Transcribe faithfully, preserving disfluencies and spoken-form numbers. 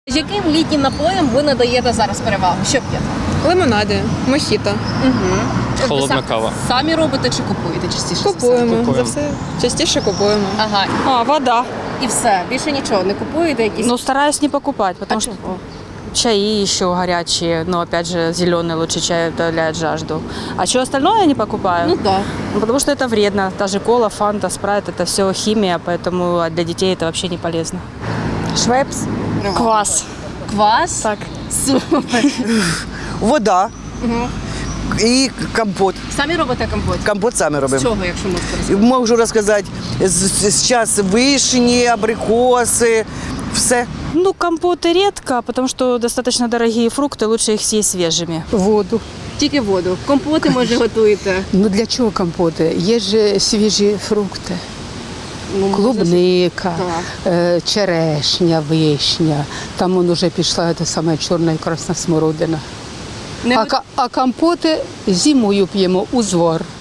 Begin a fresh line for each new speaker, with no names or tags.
Яким літнім напоям ви надаєте зараз перевагу? Що п'єте?
Лимонади, мохіто.
Угу.
Холодна кава.
Самі робите чи купуєте частіше? за все?
Купуємо.
Купуємо.
За все частіше купуємо.
Ага.
А, вода.
І все. Більше нічого не купуєте якісь?
Ну, стараюсь не покупать, потому
а
что
чого?
чаи еще горячие, но опять же зеленый лучше чай утоляет жажду. А что остальное я не покупаю?
Ну так.
Ну, потому что это вредно. Та же кола, фанта, спрайт, это все химия, поэтому для детей это вообще не полезно.
Швепс, квас.
Квас?
Так.
Супер.
Вода і компот.
Самі робите компот?
Компот самі
З
робимо.
чого, якщо можете розказати?
Можу розказати, зараз вишні, абрикоси, все.
Ну, компоты редко, потому что достаточно дорогие фрукты, лучше их съесть свежими.
Воду.
Тільки воду. Компоти, може, готуєте?
Ну для чого компоти? Є ж свіжі фрукти.
Ну, може,
Клубника,
Так.
е, черешня, вишня. Там он уже пішла та саме чорна і красна смородина.
Не
А,
ви-
ка- а компоти зимою п'ємо узвар.